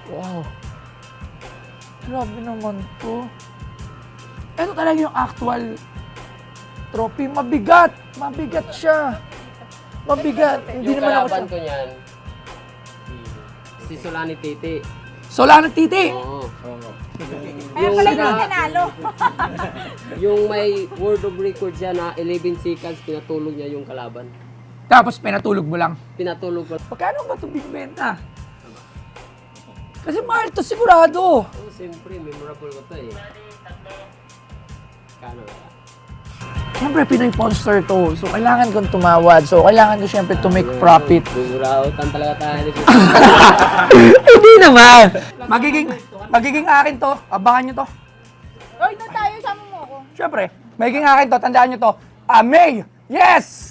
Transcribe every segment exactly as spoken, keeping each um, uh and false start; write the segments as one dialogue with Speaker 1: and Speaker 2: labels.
Speaker 1: Wow. Grabe naman to. Ito talaga yung actual trophy. Mabigat. Mabigat siya. Mabigat. Hindi
Speaker 2: Yung
Speaker 1: naman ako
Speaker 2: kalaban
Speaker 1: siya.
Speaker 2: ko niyan, si Solani Titi.
Speaker 1: Solano Titi.
Speaker 2: Oo.
Speaker 3: Kaya pala yung nanalo.
Speaker 2: Yung may world of record siya na eleven seconds, pinatulog niya yung kalaban.
Speaker 1: Tapos pinatulog mo lang.
Speaker 2: Pinatulog ko.
Speaker 1: Magkano ba ito binibenta? Kasi mahal to sigurado.
Speaker 2: Oh, siyempre, memorable ko to eh. Kano ba?
Speaker 1: Siyempre, Pinoy Monster to. So, kailangan kong tumawad. So, kailangan ko siyempre to make profit.
Speaker 2: Bumurautan talaga tayo.
Speaker 1: Hindi naman. Magiging, magiging akin to. Abangan nyo to.
Speaker 3: Oy, doon tayo, sama mo ako.
Speaker 1: Siyempre, magiging akin to. Tandaan nyo to. Ah, May! Yes!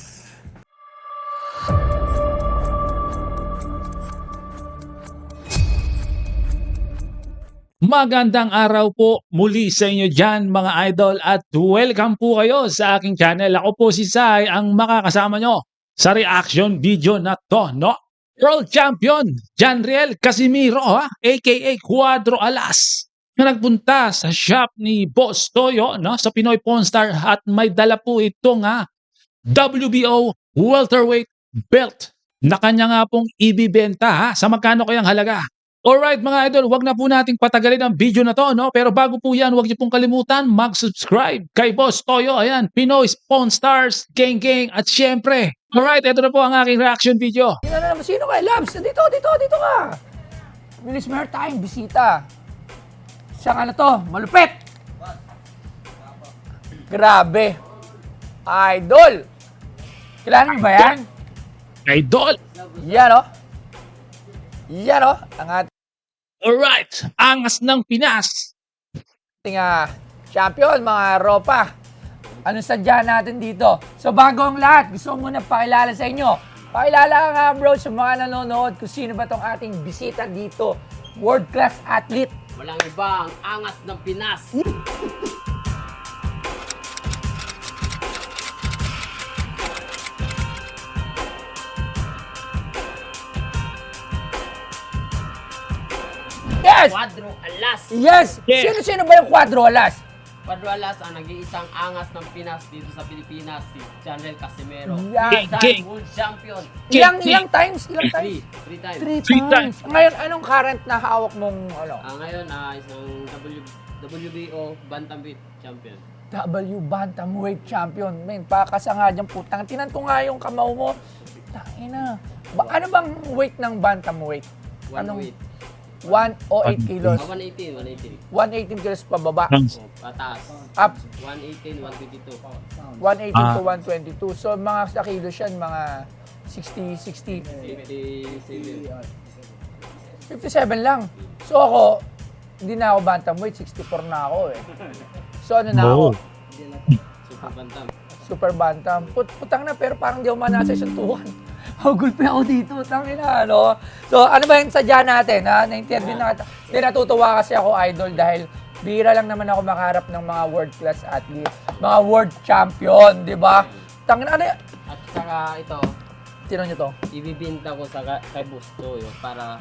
Speaker 4: Magandang araw po muli sa inyo dyan mga idol at welcome po kayo sa aking channel. Ako po si Sai ang makakasama nyo sa reaction video na to, no? World Champion Janriel Casimiro, ha? aka Cuadro Alas, na nagpunta sa shop ni Boss Toyo, no? Sa Pinoy Pawn Star at may dala po itong ha, W B O welterweight belt na kanya nga pong ibibenta, ha? Sa magkano kayang halaga? Alright mga idol, wag na po nating patagalin ang video na to, no? Pero bago po yan, wag niyo pong kalimutan mag-subscribe kay Boss Toyo. Ayan, Pinoy Pawn Stars, Gang Gang, at syempre, alright, ito na po ang aking reaction video.
Speaker 1: Sino na naman? Sino ka? Labs! Dito, dito, dito ka! Bilis meron tayong bisita. Siyang ano to? Malupit! Grabe. Idol! Kilala mo ba yan?
Speaker 4: Idol!
Speaker 1: Yan o. Yan o. Ang ating
Speaker 4: Alright, angas ng Pinas.
Speaker 1: uh, champion, mga ropa. Ano sadya natin dito? So bago ang lahat, gusto ko muna pakilala sa inyo. Pakilala ka nga bro sa mga nanonood kung sino ba tong ating bisita dito. World class athlete.
Speaker 2: Walang iba, ang angas ng Pinas.
Speaker 1: Yes!
Speaker 2: Cuadro Alas.
Speaker 1: Yes!
Speaker 4: Yes.
Speaker 1: Sino-sino ba yung Cuadro Alas?
Speaker 2: Cuadro Alas ang nag-iisang angas ng Pinas dito sa Pilipinas, si Janriel Casimiro.
Speaker 1: Yan.
Speaker 4: King.
Speaker 2: Isang world champion.
Speaker 1: Ilang,
Speaker 4: King.
Speaker 1: ilang times? Ilang times?
Speaker 2: Three. Three times.
Speaker 1: Three,
Speaker 4: Three
Speaker 1: times. Ngayon, anong current na hawak mong ano?
Speaker 2: Ah, ngayon, ah, isang W, W B O Bantamweight champion.
Speaker 1: W Bantamweight Champion. Men, pakasa nga dyan putang. Tinan ko nga yung kamao mo. Tangina. Ba, ano bang weight ng Bantamweight?
Speaker 2: One
Speaker 1: Anong-
Speaker 2: weight.
Speaker 1: one o eight kilos.
Speaker 2: Ah, one eighteen, one eighteen.
Speaker 1: one eighteen kilos pababa.
Speaker 2: Oh, pataas.
Speaker 1: Up.
Speaker 2: one eighteen, one twenty-two.
Speaker 1: one eighteen
Speaker 4: Ah.
Speaker 1: to one twenty-two. So, mga sa kilos yan, mga sixty, sixty.
Speaker 2: fifty-seven.
Speaker 1: fifty-seven lang. So ako, hindi na ako bantamweight, sixty-four na ako eh. So ano na ako?
Speaker 4: Wow.
Speaker 2: Super bantam.
Speaker 1: Super bantam. Put putang na, pero parang di ako manasa isang tuwan. Hagulpi ako dito, tangin na, ano? So ano ba yung sadya natin, ha? Na-interview na kita. Hindi, natutuwa kasi ako, idol, dahil bihira lang naman ako makaharap ng mga world-class athlete, mga world champion, di ba? Tangin na, ano yan?
Speaker 2: At saka ito,
Speaker 1: Sino nyo to?
Speaker 2: ibibinta ko sa ka- kay Busto yun para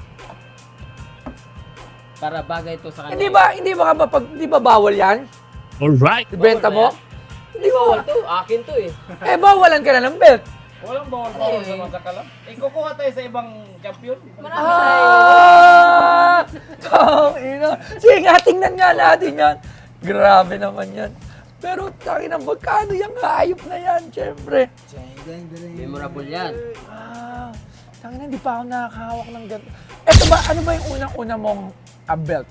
Speaker 2: para bagay to sa kanya.
Speaker 1: Hindi ba, hindi ba, ba pag, hindi ba bawal yan?
Speaker 4: Alright.
Speaker 1: Ibenta mo? Hindi
Speaker 2: Bawal
Speaker 1: ba?
Speaker 2: to, akin to eh.
Speaker 1: Eh, bawalan ka na ng belt.
Speaker 5: Walang bawal-bawal naman sa kalam. Eh, kukuha tayo sa ibang champion.
Speaker 2: Marami tayo.
Speaker 1: Ah! Tangina. Sige nga, tingnan nga natin yan. Grabe naman yan. Pero tangina, magkano yung hayop na yan, syempre.
Speaker 2: Memorable yan.
Speaker 1: Ah, tangina, hindi pa ako nakakahawak ng ganito. Eto ba, ano ba yung unang-una mong ah, belt?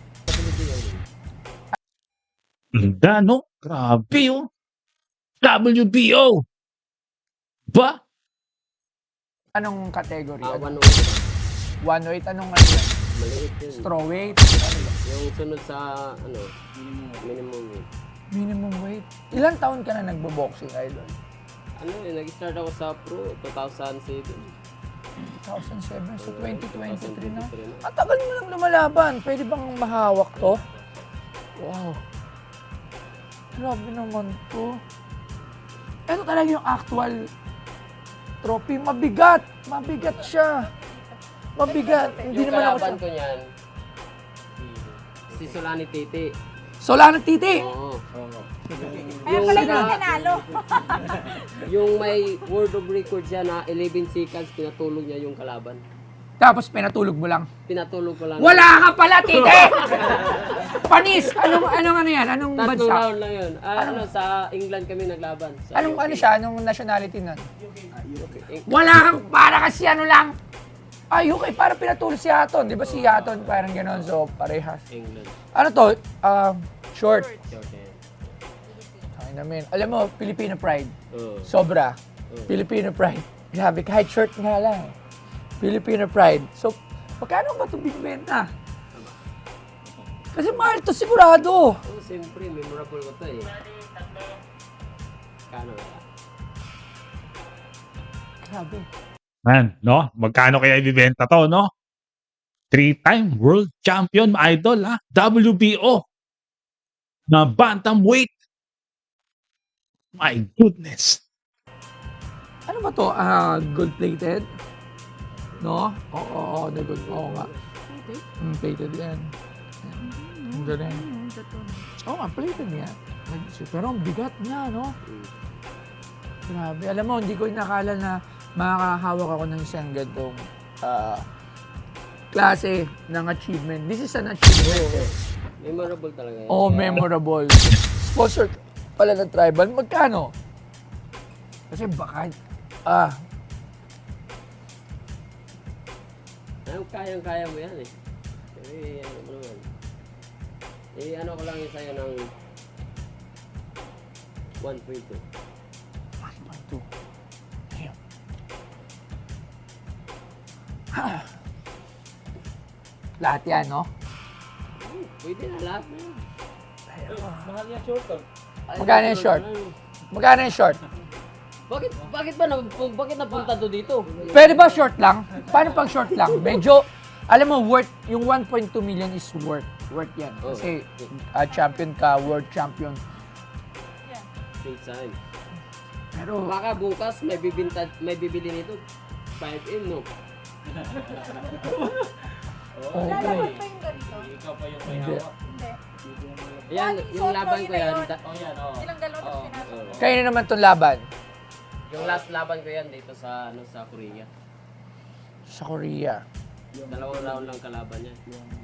Speaker 4: Ganda, no? Grabe, oh. W B O. Ba?
Speaker 1: Anong category?
Speaker 2: Ah,
Speaker 1: Ano?
Speaker 2: one oh eight.
Speaker 1: one oh eight, anong ano yan?
Speaker 2: Maliit yun.
Speaker 1: Strawweight? Ano ba?
Speaker 2: Yung sunod sa, ano, minimum weight.
Speaker 1: Minimum weight? Ilang taon ka na nagbo-boxing, idol?
Speaker 2: Ano eh, nag-start ako sa pro, two thousand seven.
Speaker 1: two thousand seven, so twenty twenty-three na.
Speaker 2: twenty-three na.
Speaker 1: Ang tagal mo lang lumalaban. Pwede bang mahawak to? Wow. Grabe naman to. Ito talaga yung actual trophy. Mabigat. Mabigat siya. Mabigat. Hindi
Speaker 2: Yung
Speaker 1: naman ako
Speaker 2: kalaban
Speaker 1: siya.
Speaker 2: ko niyan, si Solani Titi.
Speaker 1: Solano Titi.
Speaker 2: Oo.
Speaker 3: Kaya
Speaker 2: Yung
Speaker 3: pala
Speaker 2: sa-
Speaker 3: yung nanalo.
Speaker 2: Yung may world of record siya na eleven seconds, pinatulog niya yung kalaban.
Speaker 1: Tapos pinatulog mo lang.
Speaker 2: Pinatulog ko lang.
Speaker 1: Wala ka pala, Titi! Panis! Anong, anong ano yan? Anong
Speaker 2: Tatlong
Speaker 1: bansa?
Speaker 2: round lang yun. Ah, ano, sa England kami naglaban. Sa
Speaker 1: Anong
Speaker 2: U K.
Speaker 1: ano siya? Anong nationality nun? Wala kang, para kasi ano lang. Ah, U K, para pinatulog si Hatton. Di ba si Hatton parang gano'n? So, parehas.
Speaker 2: England.
Speaker 1: Ano to? Um, short.
Speaker 2: Short hair.
Speaker 1: Ay namin. Alam mo, Filipino pride.
Speaker 2: Oo.
Speaker 1: Sobra. Filipino pride. Grabe, kahit short nga lang. Filipino pride. So, magkano ba ito binibenta? Kasi mahal to sigurado.
Speaker 2: Oh, siyempre, memorable ko to eh. Kano ba?
Speaker 1: Grabe.
Speaker 4: Man, no? Magkano kaya ibibenta to, no? Three-time world champion, mga idol, ha? W B O na bantamweight. My goodness.
Speaker 1: Ano ba to? Ah, gold-plated? No? Oo, oo, oo, the gold. Oo nga. Mm, plated yan. Ang galing. Oo nga, plated yan. Pero ang bigat niya, no? Grabe. Alam mo, hindi ko inakala na makakahawak ako ng isang gantong ah, klase ng achievement. This is an achievement. eh.
Speaker 2: Memorable talaga yan.
Speaker 1: Oh, memorable. Sponsor pala ng tribal. Magkano? Kasi baka, ah,
Speaker 2: Ano, kayang-kaya mo yan eh. Eh, ano mo naman. Eh, ano ko lang yun sa'yo ng one point two.
Speaker 1: one point two. Damn. Lahat yan, no?
Speaker 2: Pwede na lahat na yan.
Speaker 5: Mahal yan short to.
Speaker 2: Ay,
Speaker 1: Magkano yung short? Magkano yung short?
Speaker 2: Bakit, bakit ba na, bakit napunta to dito?
Speaker 1: Pwede ba short lang? Paano pag short lang? Medyo, alam mo, worth, yung one point two million is worth. Worth yan. Kasi ah, champion ka, world champion.
Speaker 2: Big time.
Speaker 1: Pero,
Speaker 2: Baka bukas may bibinta, may bibili nito. five M, no?
Speaker 1: oh,
Speaker 3: Lalabas pa yung ganito.
Speaker 5: Ikaw pa yung may
Speaker 1: Hindi.
Speaker 5: hawak.
Speaker 3: Hindi.
Speaker 2: Yan,
Speaker 3: One
Speaker 2: yung
Speaker 3: photo,
Speaker 2: laban
Speaker 3: yun
Speaker 2: ko
Speaker 3: na
Speaker 2: yan.
Speaker 3: yun.
Speaker 2: da-
Speaker 5: Oh yan, oh.
Speaker 3: Ilang galon
Speaker 5: Oo.
Speaker 3: na pinasok.
Speaker 1: kayo na naman itong laban
Speaker 2: Yung last laban ko yan dito sa, ano, sa Korea.
Speaker 1: sa Korea.
Speaker 2: Dalawang round lang kalaban niya.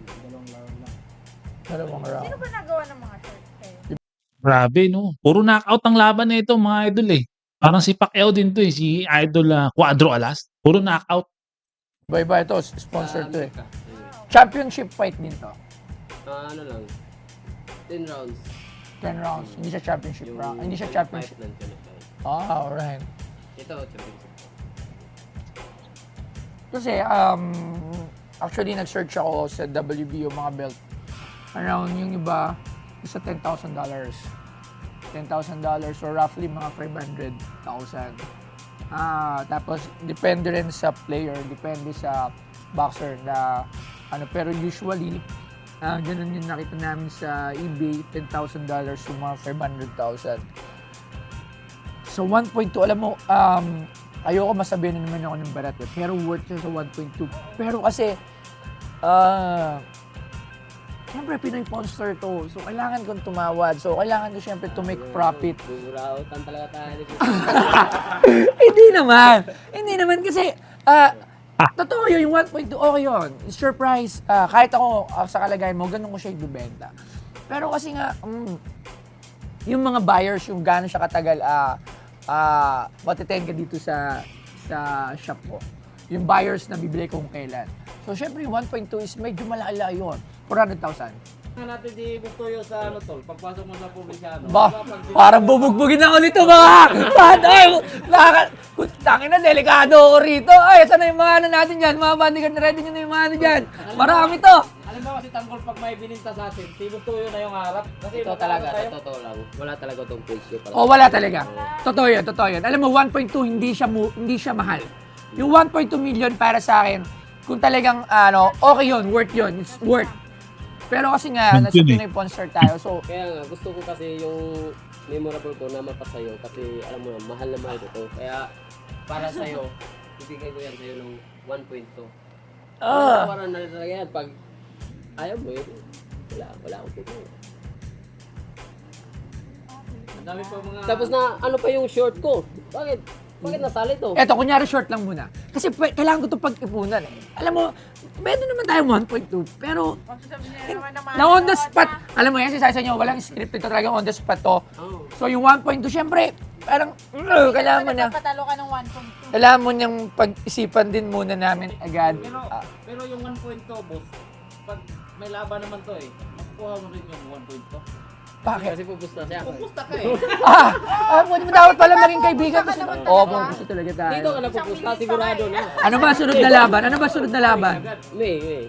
Speaker 1: Dalawang round.
Speaker 3: Sino ba nagawa ng mga shorts kayo?
Speaker 4: Grabe, no? Puro knockout ang laban na ito, mga idol, eh. Parang si Pacquiao din to, eh. Si Idol ah, Cuadro Alas. Puro knockout.
Speaker 1: Iba-iba ito, sponsor
Speaker 2: Sa
Speaker 1: to eh.
Speaker 2: Amerika. Ayun.
Speaker 1: Championship fight din to.
Speaker 2: Ah, ano lang. ten rounds.
Speaker 1: ten rounds. Hindi siya championship
Speaker 2: Yung
Speaker 1: round. Hindi siya
Speaker 2: five
Speaker 1: championship.
Speaker 2: nandyan na tayo.
Speaker 1: Ah, alright.
Speaker 2: Ito, championship.
Speaker 1: Kasi, um, actually, nag-search ako sa W B O mga belt. Around yung iba, isa ten thousand dollars. ten thousand dollars or roughly mga five hundred thousand. Ah, tapos, depende rin sa player, depende sa boxer na ano, pero usually, ah, ganun yung nakita namin sa eBay, ten thousand dollars yung mga five hundred thousand. So, one point two, alam mo, um, ayoko masabihin na naman ako ng barat eh, pero worth siya sa one point two. Pero kasi, ah, siyempre Pinoy Monster to, so kailangan kong tumawad. So, kailangan ko siyempre to make profit.
Speaker 2: Bumurautan talaga tayo.
Speaker 1: Hindi naman. Hindi naman kasi, ah, totoo yun, yung one point two, okay yun. It's your price. Ah, kahit ako, ah, sa kalagayan mo, ganun ko siya ibibenta. Pero kasi nga, mm, yung mga buyers, yung gano'n siya katagal, ah, ah, matitend ka dito sa sa shop ko. Yung buyers na bibili ko kung kailan. So, syempre, yung one point two is medyo malala yun. four hundred thousand.
Speaker 5: Tingnan natin di Bustoyo sa ano tol, pagpasok mo sa probinsyano.
Speaker 1: Ba,
Speaker 5: Kapag-
Speaker 1: parang bubugbugin ako nito mga. Ay, nakaka... Tangin na, delikado ako rito. Ay, saan na yung mga ano natin dyan? Mga bandigan, ready nyo na yung mga ano dyan. Marami to.
Speaker 5: Alam mo kasi tanggol pag may bininta sa atin, si Bustoyo na yung harap. Kasi
Speaker 2: Ito
Speaker 5: magkano
Speaker 2: talaga,
Speaker 5: tayo?
Speaker 2: sa totoo lang. Wala talaga tong presyo pala.
Speaker 1: O, wala talaga. Totoo yun, totoo yun. Alam mo, one point two, hindi siya, mu- hindi siya mahal. Yung one point two million para sa akin, kung talagang, ano, okay yun, worth yun. It's worth. Pero kasi nga, nasa Pinoy Monster tayo, so,
Speaker 2: Kaya nga, gusto ko kasi yung memorable ko na mapasayo kasi alam mo na, mahal na mahal ko to. Kaya para sa'yo, ibigay ko yan sa'yo ng one point two.
Speaker 1: ah,
Speaker 2: Para na rin talaga yan pag ayaw mo yun. Wala, wala akong tignan.
Speaker 5: Ang dami pa mga...
Speaker 2: Tapos na, ano pa yung short ko? Bakit? Bakit nasali to?
Speaker 1: Eto, kunyari short lang muna. Kasi pwe- kailangan ko ito pag-ipunan eh. Alam mo, pwede naman tayo one point two, pero
Speaker 3: Kung sasabihin niya naman naman.
Speaker 1: na on the spot, alam mo yan, si sa inyo, walang script ito talaga on the spot to.
Speaker 2: Oh.
Speaker 1: So yung one point two, syempre, parang, uh, kailangan mo na,
Speaker 3: Patalo ka ng one point two.
Speaker 1: kailangan mo niyang pag-isipan din muna namin agad.
Speaker 5: Pero,
Speaker 1: Ah,
Speaker 5: pero yung one point two, boss, pag may laban naman to eh, makukuha mo rin yung one point two.
Speaker 1: bakit?
Speaker 2: Kasi pupusta siya.
Speaker 5: Pupusta ka eh.
Speaker 1: Ah, ah, pwede mo dapat pala maging kaibigan kasi.
Speaker 3: naman
Speaker 1: Oo,
Speaker 3: talaga.
Speaker 1: oh, gusto talaga tayo.
Speaker 2: Dito ka na pupusta, sigurado na.
Speaker 1: Ano ba sunod na laban? Ano ba sunod na laban?
Speaker 2: May, may.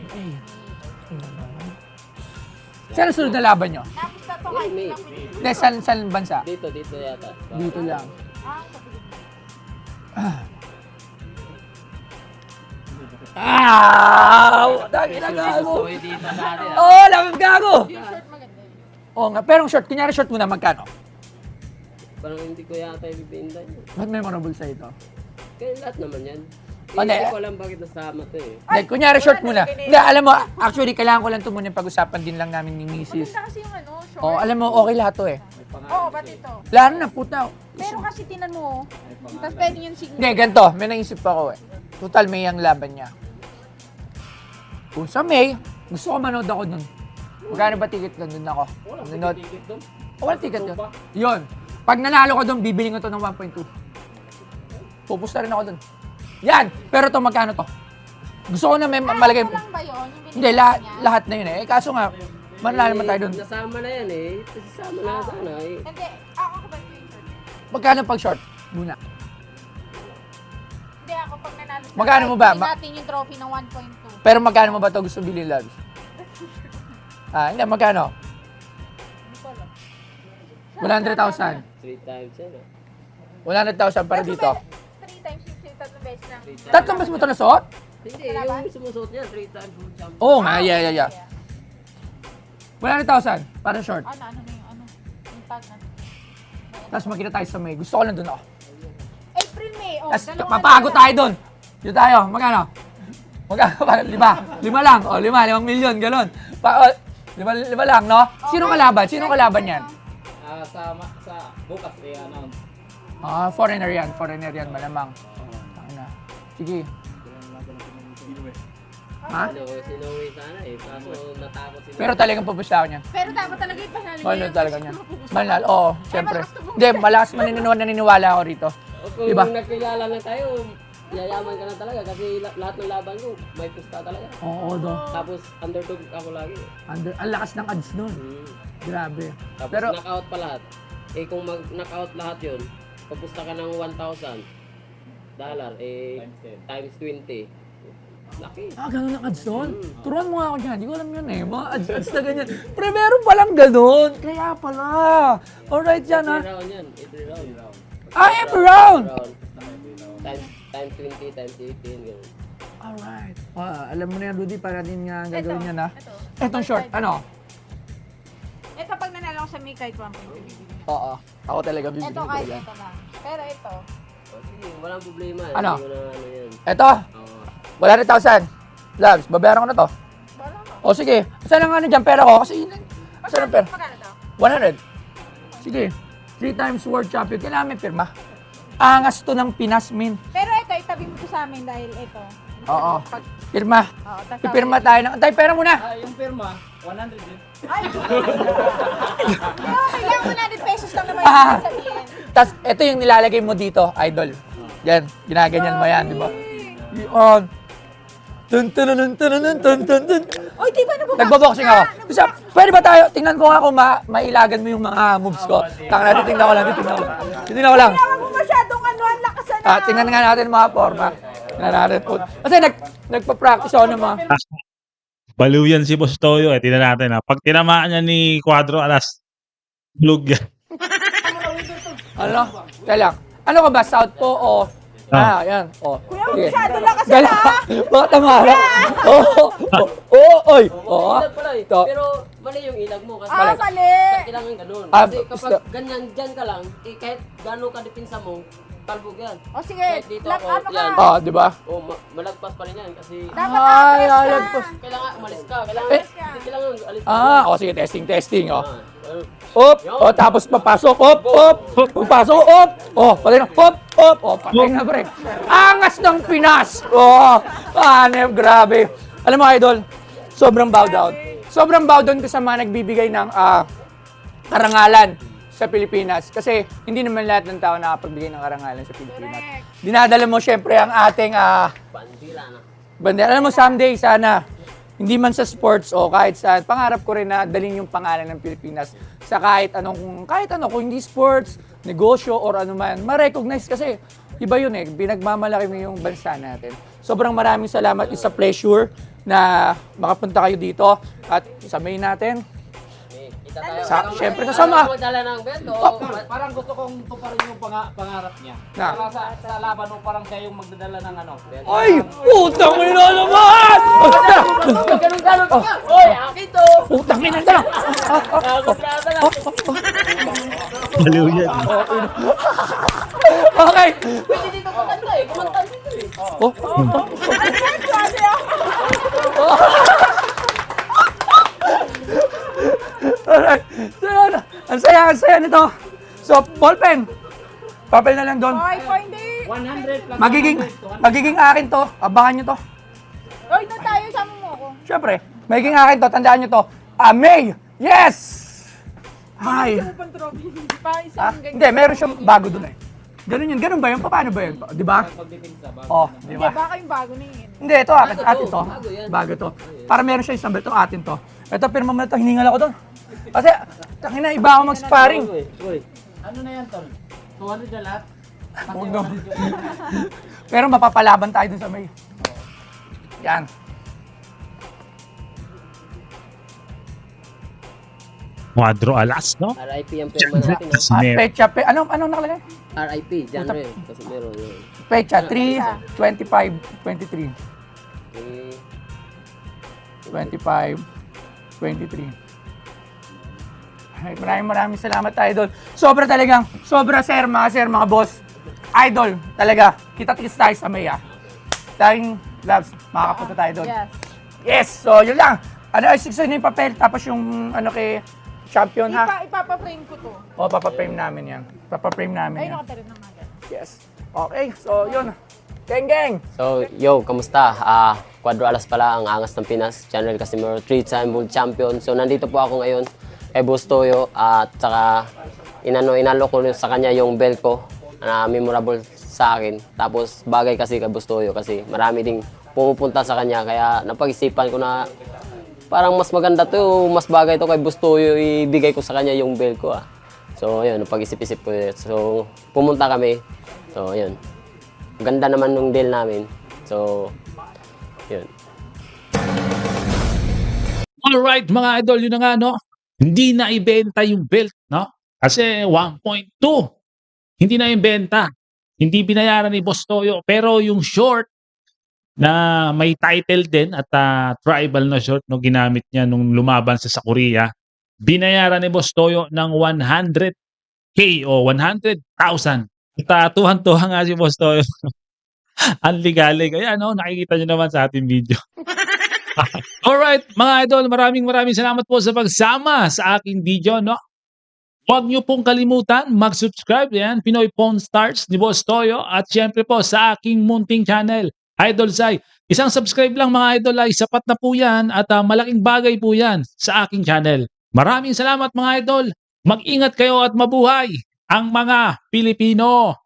Speaker 1: Saan ang sunod na laban nyo?
Speaker 3: Tapos na to
Speaker 2: May,
Speaker 3: kahit
Speaker 2: may.
Speaker 3: ilang minutes.
Speaker 1: Hindi, saan, saan bansa?
Speaker 2: Dito, dito yata.
Speaker 1: Dito lang.
Speaker 3: Ah, sabi ko.
Speaker 1: Ah! Dagi na gago!
Speaker 2: Uy, dito sa atin. ah.
Speaker 1: Oo, lamang gago!
Speaker 3: Yung short maganda yun.
Speaker 1: Oo nga, pero ang short, kunyari short muna, magkano?
Speaker 2: Parang hindi ko yata ibibinda yun.
Speaker 1: Ba't memorable sa ito?
Speaker 2: Kaya lahat naman yan. Eh,
Speaker 1: Oh, hindi.
Speaker 2: hindi ko alam bakit nasama to eh.
Speaker 1: Hindi, kunyari short muna. Hindi, alam mo, actually, kailangan ko lang ito muna yung pag-usapan din lang namin ni Missus
Speaker 3: Maganda kasi yung ano, short.
Speaker 1: Oo, alam mo, okay lahat to eh.
Speaker 3: Oo, ba't ito?
Speaker 1: Lalo na, puta.
Speaker 3: Pero kasi tinan mo, tapos pwede yung signal.
Speaker 1: Hindi, ganito, may naisip ako eh. Total, May ang laban niya. Kung sa May, gusto ko manood ako nun. Magkano ba ticket nun? Dun ako. Nanood.
Speaker 5: Ticket doon.
Speaker 1: Oh, wala ticket yun. Yun. Pag nanalo ko doon, bibili ko to ng one point two. Pupusta rin ako doon. Yan! Pero to magkano to? Gusto ko na may malagay.
Speaker 3: Ano lang ba yun? Yung binigay
Speaker 1: Hindi, lahat,
Speaker 3: niya?
Speaker 1: lahat na yun eh. Eh, kaso nga, manalo naman tayo doon.
Speaker 2: Nasama na yan eh. Nasama na sana eh.
Speaker 3: Hindi, ako ako ba yung short?
Speaker 1: Magkano pag short? Muna.
Speaker 3: Hindi, ako pag nanalo. sa
Speaker 1: Magkano mo ba?
Speaker 3: bili
Speaker 1: Ma-
Speaker 3: natin yung trophy ng one point two.
Speaker 1: Pero magkano mo ba to gusto bilhin, Loves? Ah, hindi, magkano?
Speaker 3: Hindi ko alam.
Speaker 1: one hundred thousand.
Speaker 2: Three times yan ah.
Speaker 1: one hundred thousand para dito.
Speaker 3: Three times yung yung tatlong beses na.
Speaker 2: Three times.
Speaker 1: Tatlong mas mo to nasuot?
Speaker 2: Hindi, yung sumusuot niya, three times world champion.
Speaker 1: Oo nga, yeah, yeah, yeah. one hundred thousand para short.
Speaker 3: Ano, ano na yung ano? Yung tag na.
Speaker 1: Tapos magkita tayo sa May. Gusto ko lang doon ako.
Speaker 3: April, May. Oh,
Speaker 1: Tapos
Speaker 3: dalawa
Speaker 1: papago
Speaker 3: na-
Speaker 1: tayo doon. Dito tayo. Magkano? Magkano? Parang lima. Lima lang. O, lima. Limang milyon. Ganon. Pa, o, lima, lima lang, no? Sino kalaban? Sino kalaban yan?
Speaker 5: Ah, sa, ma- sa bukas eh, announce.
Speaker 1: Ah, foreigner yan. Foreigner yan, malamang. Tangina. Sige. Ha?
Speaker 2: Ano, sinuwi sana eh. Kaso natakot sila.
Speaker 1: Pero talagang pupusta ako niyan.
Speaker 3: Pero dapat talaga yung panalo niya.
Speaker 1: Mahal
Speaker 3: yung
Speaker 1: talaga
Speaker 3: gusto
Speaker 1: niyan.
Speaker 3: mo pupusta.
Speaker 1: Mahal, oo, syempre.
Speaker 3: malakas to
Speaker 1: Hindi, malakas maniniwala, naniniwala ako rito.
Speaker 2: O kung
Speaker 1: Diba?
Speaker 2: nagkilala na tayo, yayaman ka na talaga kasi la- lahat ng laban ko, may pusta talaga.
Speaker 1: Oo, do.
Speaker 2: Tapos underdog ako lagi.
Speaker 1: Under, ang lakas ng ads nun.
Speaker 2: Hmm.
Speaker 1: Grabe.
Speaker 2: Tapos
Speaker 1: Pero,
Speaker 2: knockout pa lahat. Eh kung mag-knockout lahat yun, papusta ka ng one thousand dollar, eh
Speaker 5: Times ten.
Speaker 2: times twenty. Laki.
Speaker 1: ah, ganun ang ads nun? Turuan mo nga ako dyan. Hindi ko alam yun eh. Mga ads, ads na ganyan. Pre, meron palang ganun. Kaya pala. Alright yan ha.
Speaker 2: Every round yan. Every round.
Speaker 1: Ah, every round!
Speaker 2: Round. Times, times twenty, times eighteen, gano'n.
Speaker 1: Alright. Ah, alam mo na yan, Rudy, para din nga gagawin yan ha.
Speaker 3: Ito.
Speaker 1: Etong short, ano?
Speaker 3: Ito pag nanalo ko sa May kahit one point two.
Speaker 1: Oo. Ako talaga bibili
Speaker 3: Ito
Speaker 1: ko
Speaker 3: kahit
Speaker 1: yan.
Speaker 3: ito na. Pero ito.
Speaker 2: O sige, walang problema.
Speaker 1: Ano?
Speaker 2: Hindi ko na ano yan.
Speaker 1: Ito,
Speaker 2: Oo.
Speaker 1: one hundred thousand. Loves, babayaran ko na to.
Speaker 3: Wala ka.
Speaker 1: O sige, saan ang ano dyan pera ko? Kasi yun, saan ang pera?
Speaker 3: Magkano to?
Speaker 1: one hundred. Sige. Three times world champion. Kailangan may pirma. Angas to ng Pinas, min.
Speaker 3: Pero ito, itabi mo to sa amin dahil ito.
Speaker 1: Oo. Pirma.
Speaker 3: Oo, tas
Speaker 1: Pipirma tayo ng... Tay, pera muna.
Speaker 5: Ah, yung firma, one hundred din.
Speaker 3: Ay! Okay lang, one hundred pesos lang naman
Speaker 1: Ah.
Speaker 3: yung sabihin.
Speaker 1: Tapos, ito yung nilalagay mo dito, idol. Yan, ginaganyan mo yan, di ba? Yun. Tun tun tun tun tun tun tun tun.
Speaker 3: Oy, di ba nabuboxing
Speaker 1: Nagbo-boxing
Speaker 3: ka?
Speaker 1: ako. Kasi, pwede ba tayo, tingnan ko nga kung ma mailagan mo yung mga moves ko. Tanga natin, tingnan ko lang, tingnan ko lang. Tingnan ko lang.
Speaker 3: Kailangan mo masyadong ano, ang lakas na.
Speaker 1: Ah, tingnan nga natin mga forma. Tingnan natin po. Kasi nag, nagpa-practice ako ng mga...
Speaker 4: Baliw yan si Boss Toyo eh. Tingnan natin ha. Pag tinamaan niya ni Cuadro, alas, blug yan.
Speaker 1: Ano? Kaya lang. Ano ka ba? Southpaw o... Ah, yan. O.
Speaker 3: Kuya,
Speaker 1: Sige.
Speaker 3: masyado lakas
Speaker 1: Gala.
Speaker 3: na.
Speaker 1: Baka tamara. Oo. Oo. Oy. Oo.
Speaker 2: Ilag pala eh.
Speaker 1: Ito.
Speaker 2: Pero mali yung ilag mo kasi
Speaker 3: Ah, mali.
Speaker 2: kailangan ganun.
Speaker 1: Ah,
Speaker 2: Kasi kapag
Speaker 1: gusto-
Speaker 2: ganyan dyan ka lang, eh, kahit gano'n ka depensa mo, talbog yan.
Speaker 3: O sige,
Speaker 2: Kahit dito
Speaker 3: lag,
Speaker 2: ako,
Speaker 3: ano ka?
Speaker 2: yan.
Speaker 1: Oh, di ba?
Speaker 2: O, ma- malagpas pa rin yan kasi
Speaker 3: Dapat
Speaker 1: Ay,
Speaker 3: atras ka.
Speaker 1: lalagpas.
Speaker 2: kailangan umalis ka. Kailangan,
Speaker 1: Eh.
Speaker 2: hindi kailangan alis ka.
Speaker 1: Ah, o sige, testing, testing, oh.
Speaker 2: Ah, well,
Speaker 1: Op, o tapos papasok, op, op, papasok, op, oh, patay na, op, op, oh, patay na, pre. Angas ng Pinas! Oh, panep, grabe. Alam mo, idol, sobrang bow down. Sobrang bow down ko sa mga nagbibigay ng ah, karangalan sa Pilipinas. Kasi hindi naman lahat ng tao nakapagbigay ng karangalan sa Pilipinas.
Speaker 3: Correct.
Speaker 1: Dinadala mo syempre ang ating ah,
Speaker 2: bandila na.
Speaker 1: bandera. Alam mo, someday, sana, hindi man sa sports o kahit saan, pangarap ko rin na dalhin yung pangalan ng Pilipinas sa kahit anong, kahit ano, kung hindi sports, negosyo, or ano man, ma-recognize kasi iba yun eh, pinagmamalaki mo yung bansa natin. Sobrang maraming salamat, it's a pleasure na makapunta kayo dito at isamayin natin.
Speaker 2: Eh, kita tayo.
Speaker 1: Sa-
Speaker 2: Parang-
Speaker 1: syempre kasama.
Speaker 2: Parang magdala ng belt o
Speaker 1: Oh.
Speaker 5: Parang gusto kong tuparin yung panga- pangarap niya.
Speaker 1: Na.
Speaker 5: Para sa, sa laban mo, parang siya yung magdadala ng ano.
Speaker 1: Ay! Putang ina naman!
Speaker 2: Ganun-ganun ka. Oy, akin to.
Speaker 1: Putang ina na!
Speaker 2: Nakakontrata na.
Speaker 4: Baliw yan.
Speaker 1: Okay!
Speaker 2: Pwede dito kumanta eh. Kumanta dito eh.
Speaker 1: Oh, alright. So, yun. Ang saya, ang saya nito. So, ballpen. Papel na lang doon.
Speaker 3: Oy, po hindi.
Speaker 5: one hundred plus
Speaker 1: Magiging,
Speaker 5: one hundred, two hundred.
Speaker 1: magiging akin to. Abangan nyo to.
Speaker 3: Oy, doon tayo, sama mo ako.
Speaker 1: Siyempre, magiging akin to. Tandaan nyo to. Ah, May! Yes! Hi!
Speaker 3: Ano pang trophy? Pa,
Speaker 1: Ah,
Speaker 3: isang ganyan.
Speaker 1: hindi, meron siyang bago doon eh. Ganun yun. Ganun ba yun? Paano ba yun? Di ba?
Speaker 5: Pagdepensa, bago
Speaker 1: Oh,
Speaker 5: na.
Speaker 1: di
Speaker 3: Hindi,
Speaker 1: ba?
Speaker 3: baka yung bago na yun.
Speaker 1: Hindi, ito akin.
Speaker 2: Bago to.
Speaker 1: Atin to.
Speaker 2: Bago yan.
Speaker 1: Bago to. Para meron siya isang belt. Ito atin to. Ito, pirma mo na to. Hiningal ako doon. Kasi, tangina, iba ako mag-sparring.
Speaker 2: Uy, uy.
Speaker 5: Ano na yan, Tol? two hundred na lahat? Pati
Speaker 1: Huwag naman.
Speaker 5: one hundred yung-
Speaker 1: Pero mapapalaban tayo dun sa may. Yan.
Speaker 4: Cuadro alas, no?
Speaker 2: R I P ang pirma natin.
Speaker 1: Ah,
Speaker 4: Casimero.
Speaker 1: pecha, pe, anong, anong nakalagay?
Speaker 2: ah. R I P, genre. Kasi meron yun.
Speaker 1: Pecha, three, twenty-five, twenty-three.
Speaker 2: Eh,
Speaker 1: twenty-five, twenty-three. Ay, maraming maraming salamat, Idol. Sobra talagang, sobra, sir, mga sir, mga boss. Idol, talaga. Kita-kits tayo sa Maya. Tayong loves, makakapunta tayo doon.
Speaker 3: Yes.
Speaker 1: Yes! So, yun lang. Ano, ay, six na yung papel, tapos yung, ano, kay champion, ha?
Speaker 3: Ipa, ipapa-frame ko to.
Speaker 1: O, papaprame namin yan. Papaprame namin
Speaker 3: Ay,
Speaker 1: yan.
Speaker 3: nakatarin na nga dyan.
Speaker 1: Yes. Okay, so, yun. Geng, geng!
Speaker 2: So, yo, kamusta? Ah, Cuadro Alas pala ang Angas ng Pinas. Channel Casimero, three-time world champion. So, nandito po ako ngayon kay Boss Toyo at saka inano, inalo ko sa kanya yung belt ko na memorable sa akin. Tapos, bagay kasi kay Boss Toyo kasi marami ding pumupunta sa kanya. Kaya napag-isipan ko na parang mas maganda to, mas bagay to kay Boss Toyo, ibigay ko sa kanya yung belt ko ah. So, yun, napag-isip-isip ko yun. So, pumunta kami. So, yun. Ganda naman nung deal namin. So, yun.
Speaker 4: Alright mga idol, yun na nga no. Hindi na ibenta yung belt, no? Kasi one point two. Hindi na ibenta. Hindi binayaran ni Boss Toyo. Pero yung short na may title din at ah, tribal na short no ginamit niya nung lumaban sa sa Korea, binayaran ni Boss Toyo ng one hundred K o one hundred thousand. At uh, tuhan-tuhan nga si Boss Toyo. Ang ligalig. Ayan, no? Nakikita nyo naman sa ating video. Alright, mga idol, maraming maraming salamat po sa pagsama sa aking video, no? Huwag nyo pong kalimutan mag-subscribe yan, Pinoy Pawn Stars ni Boss Toyo at syempre po sa aking munting channel, Idol Zai. Isang subscribe lang mga idol ay sapat na po yan at uh, malaking bagay po yan sa aking channel. Maraming salamat mga idol. Mag-ingat kayo at mabuhay ang mga Pilipino.